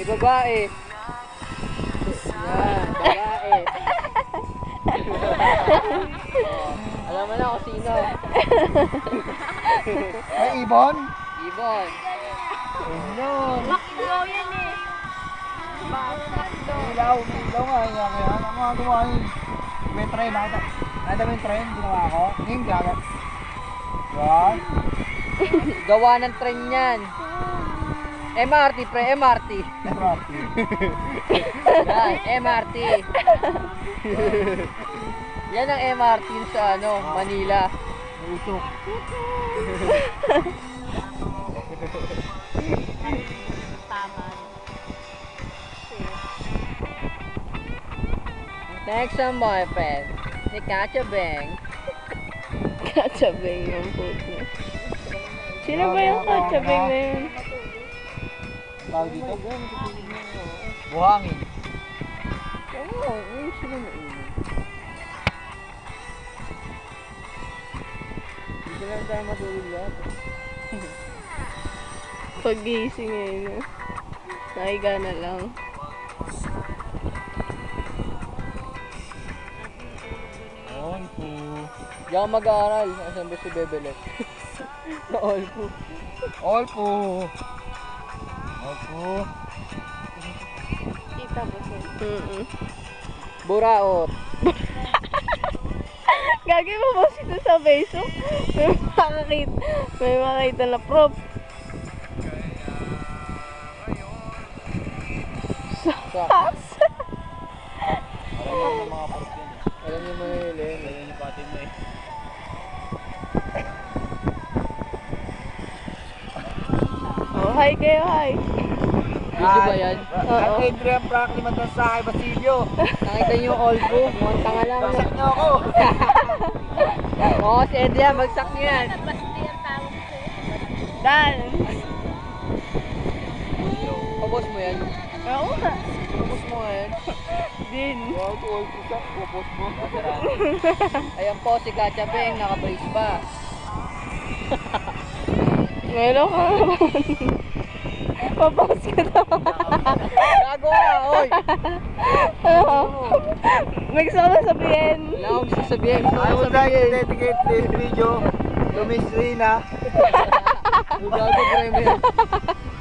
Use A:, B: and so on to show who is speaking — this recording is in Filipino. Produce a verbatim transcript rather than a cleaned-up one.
A: May babae. Yan, babae. Oh, alam mo na kung sino.
B: May ibon?
A: Ibon.
B: Yun.
C: Makdo yan eh. Makdo.
B: Ilaw, ilaw nga. Kaya kaya ang mga gumawa yun. May train. Nakita nakita mo yung train. Ginawa ko. Ngayon gagat. Yan.
A: Gawa ng tren yan. M R T pre, M R T.
B: Property.
A: Yan, M R T. Yan ang M R T sa ano, Manila.
B: Usok.
C: Tama.
A: Thanks sa my friend. Ni Katya Beng.
D: Katsabing yung puto. Sino ba yung katsabing na yun?
B: Tawag dito? Buhangin.
A: Oo, ayun sila na ulo. Hindi lang tayo matulog lahat.
D: Pag-gising ngayon. no? Nahiga na lang.
B: All po.
A: Hindi ako mag-aaral. Asan ba si Bebelet? Na all po.
B: All po. All po.
C: Kita mo siya.
D: Mm-mm.
A: Buraot.
D: Gagi mo ba ito sa Facebook? May makakita, may makakita na prop.
A: Sa.
B: Alam mo yung mga parts yan eh.
A: Alam niyo mo yun, Len.
B: Alam niyo pati mo eh.
D: Oh, hi kayo, hi.
A: Video ba yan?
D: Oo.
B: Ang Adrian Franklin Matansahay Basilio.
A: Nakita niyo yung all po. Mukhang tanga lang.
B: Bagsak niyo ako.
A: Oo, si Edria, bagsak niyo yan.
C: Basti ang tawag ko.
D: Dan.
A: Pabos mo yan.
D: Oo nga.
A: Pabos mo nga yan.
D: Din.
B: Wow, all po sa popos mo.
A: Ayan po si Katya Beng, naka-brace pa.
D: Meron ka naman. Papaus ka na.
A: Gago ka, oy!
D: Ano? May gusto ko na sabihin.
A: Wala akong sasabihin. Gusto
B: I
A: ko
B: would like to
A: sabihin.
B: dedicate this video to Miss Rina.
A: Gago, pre mo yan.